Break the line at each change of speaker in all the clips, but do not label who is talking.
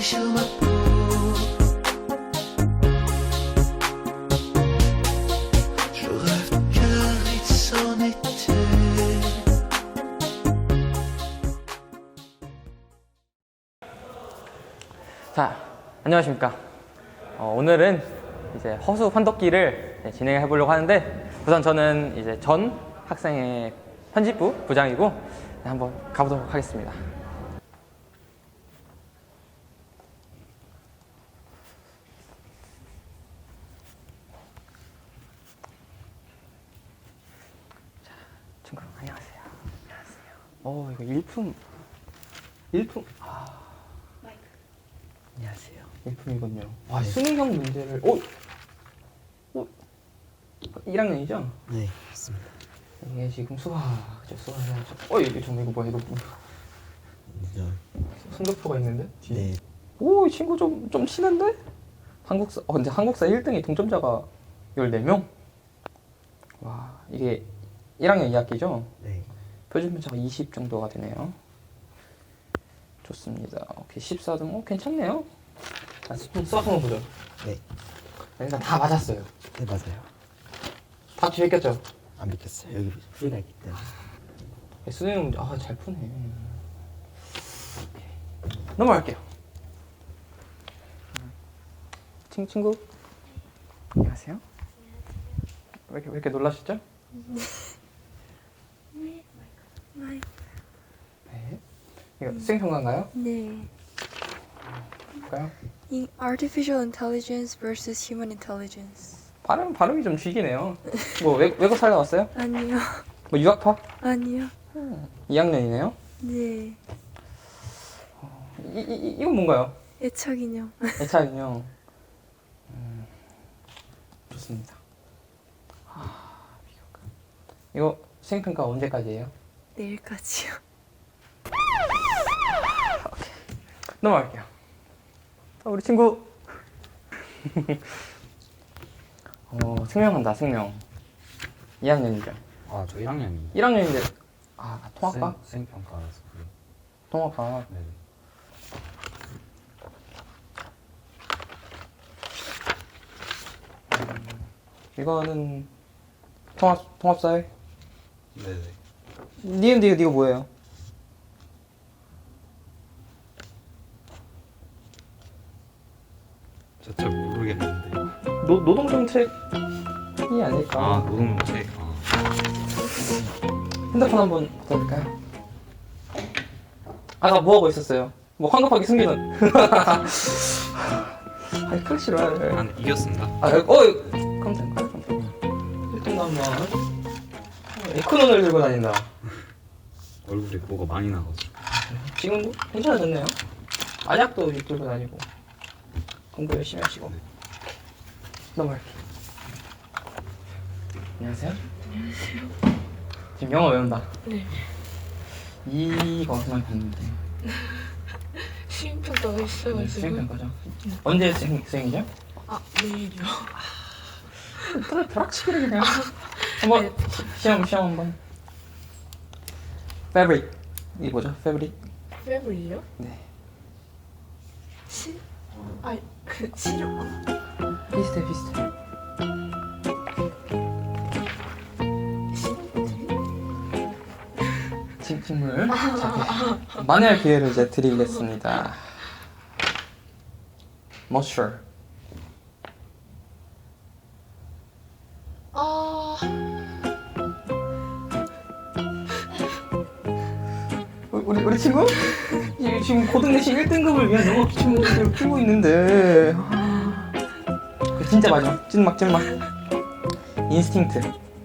sur ma peau. Je rêve car il s'en était.
자, 안녕하십니까. 오늘은 이제 허수 환덕기를 진행해 보려고 하는데, 우선 저는 이제 전 학생의 편집부 부장이고 한번 가보도록 하겠습니다. 자, 친구 안녕하세요. 안녕하세요. 이거 일품.
안녕하세요.
일품이군요. 와, 수능형 문제를 1학년이죠?
네, 맞습니다.
이게 지금 수학이죠. 이거 뭐야, 이거 성적표가 있는데? 뒤에.
네,
오, 이 친구 좀 치는데? 근데 한국사 1등이 동점자가 14명? 와, 이게 1학년 2학기죠?
네.
표준 편차가 20 정도가 되네요. 좋습니다. 오케이, 14등. 괜찮네요. 자, 수학 한번 보죠.
네,
일단 다 맞았어요.
네 맞아요.
다 뒤에 꼈죠?
안 믿겠어요. 여기 풀이가 있기 때문에.
수능 문제, 잘 푸네. 넘어갈게요. 친구. 안녕하세요. 왜 이렇게 놀라시죠? 네. 이거 수행평가인가요?
네.
볼까요?
Artificial intelligence versus human intelligence.
발음이 좀 쥐기네요. 뭐 외국 살다 왔어요?
아니요.
뭐 유학파?
아니요.
2학년이네요.
네.
이건 뭔가요?
애착 인형.
애착 인형. 좋습니다. 이거 수행평가 언제까지예요?
내일까지요.
넘어갈게요. 우리 친구. 생명한다, 생명. 2학년이죠.
아, 저 1학년이
1학년인데, 통합과?
수행평가라서 그래.
통합과.
네.
이거는 통합사회?
네네.
니은데 이거 뭐예요?
저 잘 모르겠는데.
노동정책이 아닐까?
아, 노동정책.
핸드폰 한번 받아볼까요? 아까 뭐하고 있었어요? 뭐 황급하게 숨기는. 클래시를.
아, 이겼습니다.
그럼 될까요? 1등 한번. 에코논을 들고 다닌다.
얼굴에 뭐가 많이 나가지고.
지금도 괜찮아졌네요. 아약도 들고 다니고. 공부 열심히 하시고. 넘어갈게요. 안녕하세요. 지금 영어 외운다.
네.
이거 어디서 많이 봤는데.
시행평가가 있어가지고.
수행평가죠. 언제 수행이죠?
내일이요.
벼락치기를 그냥. 한번 시험 한번. Fabric. 이게 뭐죠? Fabric.
페브리요?
네.
치료.
비슷해. 식물. 자, 만회할 기회를 이제 드리겠습니다. Moisture. 우리 친구? 지금 고등 내신 1등급을 위한 영어 기출문제를 풀고 있는데. 진짜 마지막. 찐막. 인스팅트.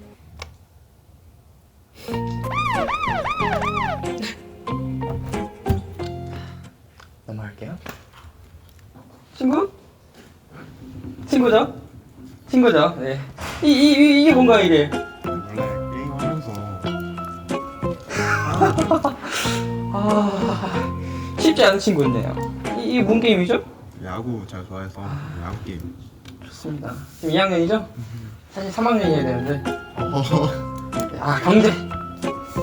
넘어갈게요. 친구죠? 네. 이게 뭔가 이게?
원래 게임하면서
쉽지 않은 친구였네요. 이게 뭔 게임이죠?
야구 잘 좋아해서 야구 게임.
좋습니다. 지금 2학년이죠? 사실 3학년이어야 되는데.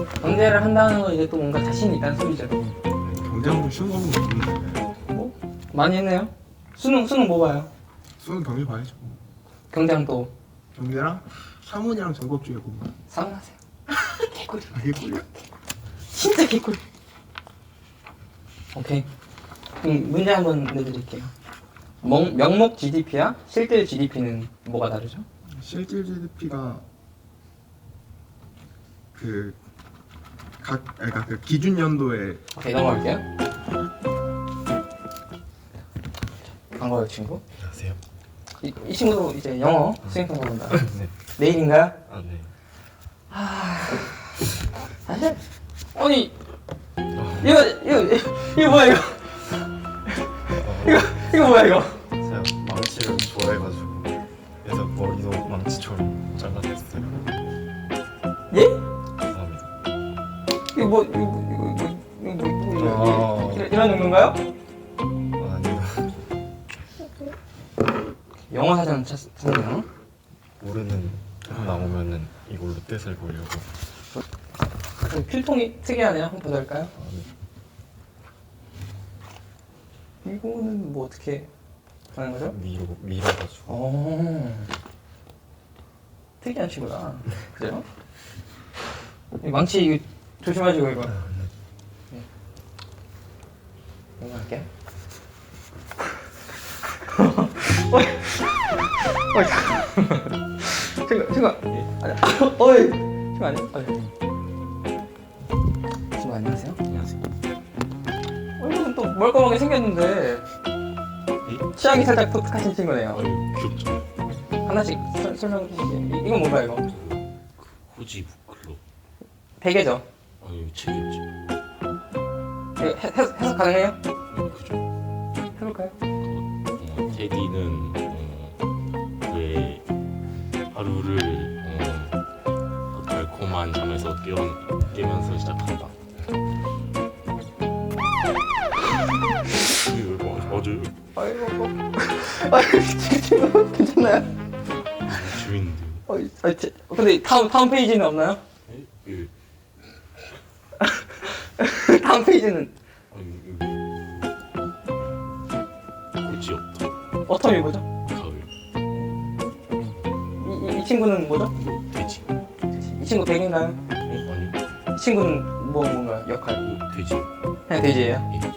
경제를 한다는 건 이제 또 뭔가 자신이 있다는 소리죠.
경쟁도 쉬운 거는 모르는데
뭐? 많이 했네요. 수능 뭐 봐요?
수능 경기 봐야죠.
경장 또
경기랑 사문이랑 전법 중에 공부.
사문하세요. 개꿀.
아, 이게 꿀이야?
진짜 개꿀. 오케이. 그럼 문제 한번 내드릴게요. 명목 GDP와 실질 GDP는 뭐가 다르죠?
실질 GDP가 그러니까 그 기준 연도에
오케이, 넘어갈게요. 반가워요, 친구.
안녕하세요.
이 친구도 이제 영어 수행평가 본다.
네.
내일인가요?
아 네.
사실 아니 이거 뭐야 이거? 이거 뭐야 이거?
제가 망치를 좋아해가지고 그래서 머리도 망치처럼 잘라냈어요.
예?
감사합니다.
이거 이런 정도인가요?
아니다.
영어 사전 찾네요.
모르는 뜻 나오면은 이걸로 뜻을 보려고.
필통이 특이하네요. 한번 보실까요?
아, 네.
이거는 뭐 어떻게 하는 거죠?
밀어가지고.
오, 특이한 친구다. 그죠? 이 망치 이거 조심하시고 이거. 네. 이거 할게. 어이, 친구, 아니, 어이, 친구 아니야? 친구 안녕하세요.
안녕하세요.
얼굴은 또 멀쩡하게 생겼는데 취향이 살짝 독특하신 친구네요.
아유 귀엽죠.
하나씩 설명해 주시죠. 이건 뭔가 이거?
후지 부클로.
베개죠?
아유 책이었죠.
이거 해석 가능해요?
네, 그죠.
해볼까요?
테디는 그의 하루를 그 달콤한 잠에서 깨면서 시작한다. 맞아요.
아이고 친구 괜찮나요?
재밌는데요.
근데 다음 페이지는 없나요?
예.
다음 페이지는
끝이 없다.
어텀이 뭐죠?
가을.
이 친구는 뭐죠?
돼지.
이 친구 백인가요?
아니요.
이 친구는 뭔가 역할?
돼지.
그냥 돼지예요?
예.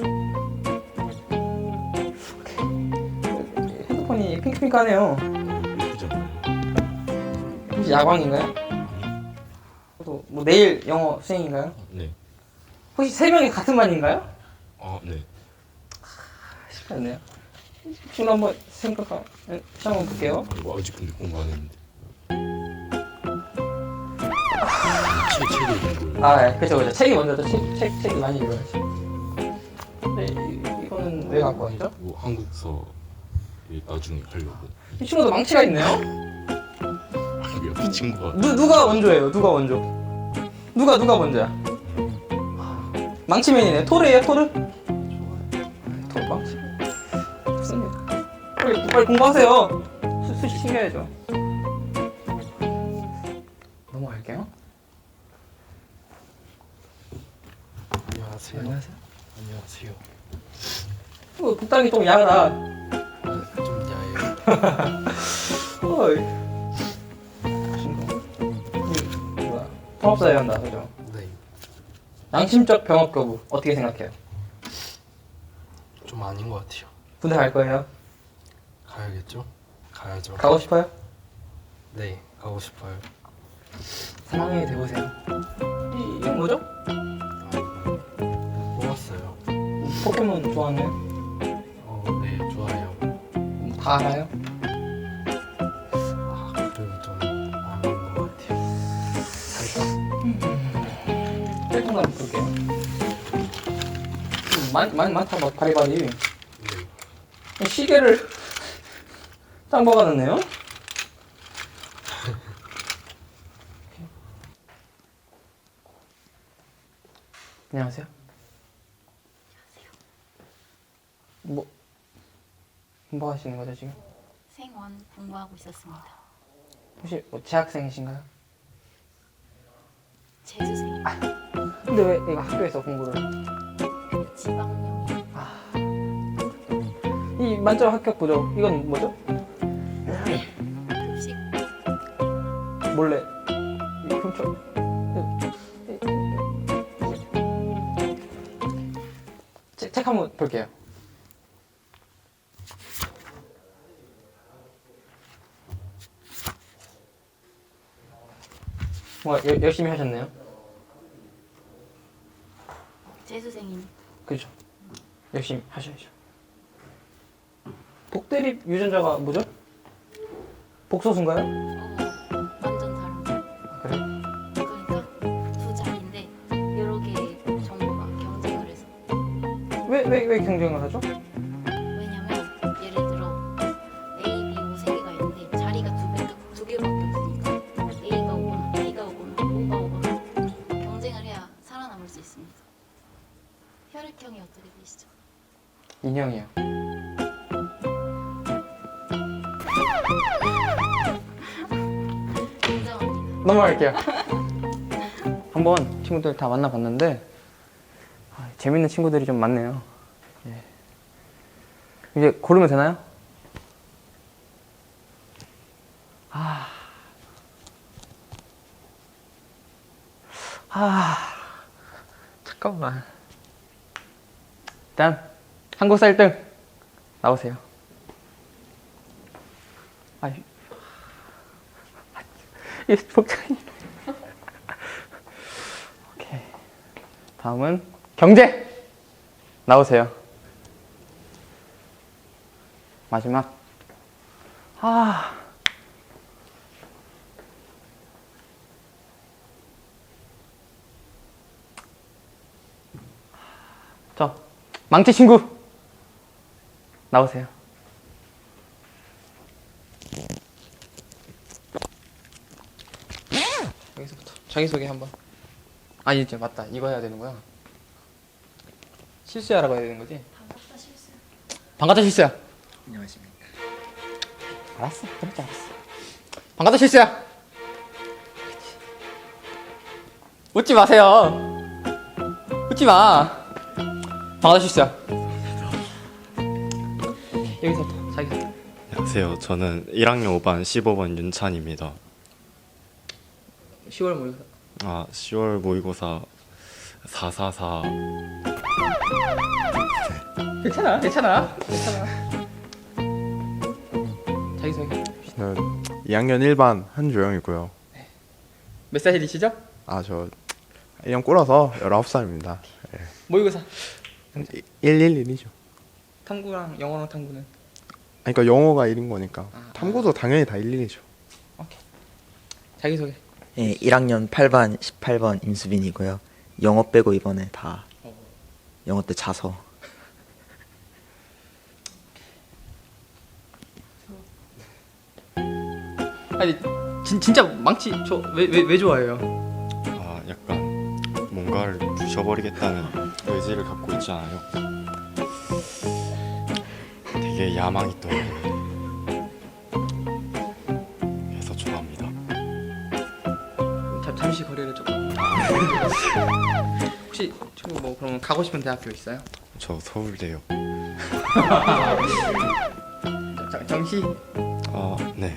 핸드폰이 핑크핑크하네요.
예쁘잖아요.
혹시 야광인가요?
아니요.
또 뭐 내일 영어 수행인가요?
네.
혹시 세 명이 같은 반인가요?
아 네.
쉽지 않네요. 지금 한번 시험 한번 볼게요.
아이고 아직 근데 공부 안 했는데. 책을 읽어요.
아, 예, 그죠. 책이 먼저죠. 책이 많이 읽어야지. 근데 이거는 왜 갖고 왔죠?
이거 한국서 나중에 하려고.
이 친구도 망치가 있네요.
아이고 옆에 친구가
누가 원조예요? 누가 원조? 누가 먼저야? 망치맨이네. 토르예요, 토르? 토르 망치. 좋습니다. 빨리 공부하세요. 수시 챙겨야죠. 넘어갈게요.
안녕하세요.
안녕하세요.
안녕하세요.
이거 복당이 좀 야하다.
좀 야해요.
어이. 친구. 뭐야? 통합사회 한다, 그죠?
네.
양심적 병업 거부 어떻게 생각해요?
좀 아닌 것 같아요.
군대 갈 거예요?
가야겠죠? 가야죠.
가고 싶어요?
네, 가고 싶어요.
상황에 대보세요. 이건 뭐죠?
아, 이거 뽑았어요.
포켓몬 좋아하나요?
네, 좋아요.
다 알아요?
아, 그래도 좀 아닌 것 같아요. 살짝.
셀통 한번 볼게요. 많다, 막 바리바리.
네.
시계를 짱 박아놨네요? 안녕하세요. 뭐 하시는 거죠 지금?
생원 공부하고 있었습니다.
혹시 뭐 재학생이신가요?
재수생.
근데 왜 이거 학교에서 공부를?
지방령이.
이 만점 합격 보죠. 이건 뭐죠?
급식
몰래 이 훔쳐. 책 한번 볼게요. 열심히 하셨네요.
재수생이니.
그죠? 열심히 하셔야죠. 복대립 유전자가 뭐죠? 복소수인가요?
완전 다른 거.
그래?
그러니까 두 자리인데 여러 개의 정보가 경쟁을 해서.
왜 경쟁을 하죠?
왜냐면 예를 들어 A, B, O 세 개가 있는데 자리가 두 개밖에 없으니까 A가 오거나 B가 오거나 O가 오거나 경쟁을 해야 살아남을 수 있습니다. 혈액형이 어떻게 되시죠?
인형이요.
인정합니다.
넘어갈게요. 한번 친구들 다 만나봤는데 재밌는 친구들이 좀 많네요. 예. 이제 고르면 되나요? 잠깐만. 일단 한국사 1등 나오세요. 이 복장이. 오케이. 다음은 경제 나오세요. 마지막. 저 망치 친구 나오세요. 여기서부터 자기소개 한번. 아니 이제 맞다. 이거 해야 되는구나. 실수야라고 해야 되는 거지? 반갑다 실수야. 반갑다 실수야.
안녕하십니까.
알았어. 그럴 줄 알았어. 반갑다 실수야. 웃지 마세요. 웃지 마. 반갑다 실수야. 여기서부터 자기소개.
안녕하세요. 저는 1학년 5반 15번 윤찬입니다.
10월 모의고사.
10월 모의고사 444.
괜찮아. 자기소개.
저는 2학년 1반 한조영이고요.
몇 살이시죠?
저 1년 꿇어서 19살입니다.
모의고사.
111이죠.
탐구랑 영어랑 탐구는?
그러니까 영어가 1인 거니까 탐구도 당연히 다 11이죠.
오케이. 자기소개.
예, 1학년 8반 18번 임수빈이고요. 영어 빼고 이번에 다 영어 때 자서.
아니 진짜 망치 저 왜 좋아해요?
약간 뭔가를 부셔버리겠다는 의지를 갖고 있잖아요. 되게 야망이 떠오르는. 그래서 좋아합니다.
잠시 거리를 조금. 혹시 지금 뭐 그러면 가고 싶은 대학교 있어요?
저 서울대요.
정시
네.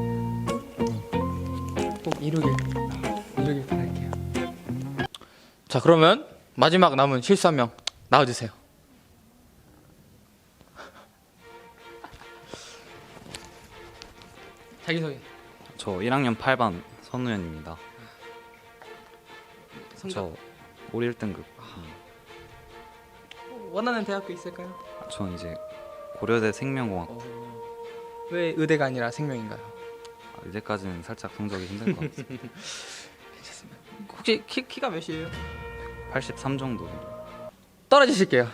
꼭 이루길 바랄게요. 자 그러면 마지막 남은 실수 한 명 나와주세요. 자기소개.
저 1학년 8반 선우현입니다. 저 올 1등급.
원하는 대학교 있을까요?
전 이제 고려대 생명공학.
왜 의대가 아니라 생명인가요?
이제까지는 살짝 성적이 힘들 것 같습니다.
괜찮습니다. 혹시 키가 몇이에요?
83 정도.
떨어지실게요.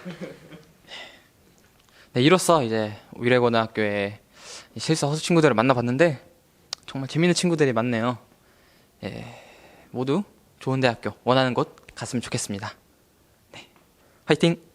네, 이로써 이제 위례고등학교의 실수 허수 친구들을 만나봤는데 정말 재밌는 친구들이 많네요. 예, 모두 좋은 대학교 원하는 곳 갔으면 좋겠습니다. 네, 화이팅!